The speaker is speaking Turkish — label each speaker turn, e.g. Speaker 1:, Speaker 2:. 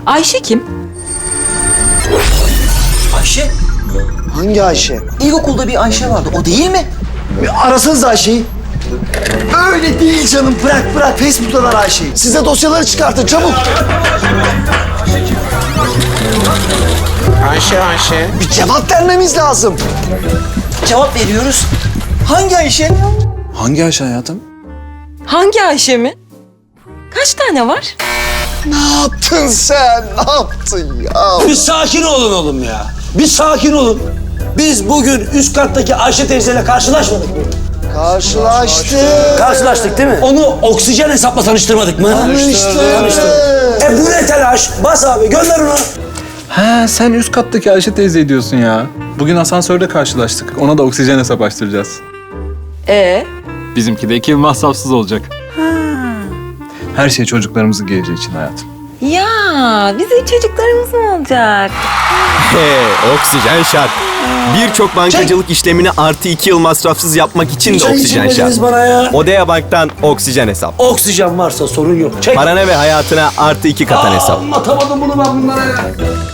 Speaker 1: Ayşe kim?
Speaker 2: Ayşe?
Speaker 3: Hangi Ayşe?
Speaker 2: İlkokulda bir Ayşe vardı. O değil mi?
Speaker 3: Bir arasanız Ayşe'yi. Öyle değil canım. Bırak. Facebook'talar Ayşe'yi. Size dosyaları çıkartın çabuk.
Speaker 4: Ayşe.
Speaker 3: Bir cevap vermemiz lazım.
Speaker 2: Cevap veriyoruz. Hangi Ayşe?
Speaker 4: Hangi Ayşe hayatım?
Speaker 1: Hangi Ayşe mi? Kaç tane var?
Speaker 3: Ne yaptın sen? Ne yaptın ya?
Speaker 5: Bir sakin olun oğlum ya. Bir sakin olun. Biz bugün üst kattaki Ayşe teyzeyle karşılaşmadık mı? Karşılaştık değil mi? Onu oksijen hesapla tanıştırmadık mı?
Speaker 3: Tanıştı.
Speaker 5: Bu ne telaş? Bas abi gönder onu.
Speaker 4: Ha sen üst kattaki Ayşe teyze diyorsun ya. Bugün asansörde karşılaştık. Ona da oksijen hesap açtıracağız. Bizimki de 2 yıl masrafsız olacak. Her şey çocuklarımızın geleceği için hayatım.
Speaker 1: Ya bizim çocuklarımız mı olacak?
Speaker 6: Oksijen şart. Birçok bankacılık işlemini artı 2 yıl masrafsız yapmak için de
Speaker 5: Çay
Speaker 6: oksijen şart.
Speaker 5: içmediniz bana ya.
Speaker 6: Odea Bank'tan oksijen hesap.
Speaker 5: Oksijen varsa sorun yok. Çek.
Speaker 6: Parana ve hayatına artı 2 katan hesap.
Speaker 5: Anlatamadım bunu ben bunlara ya.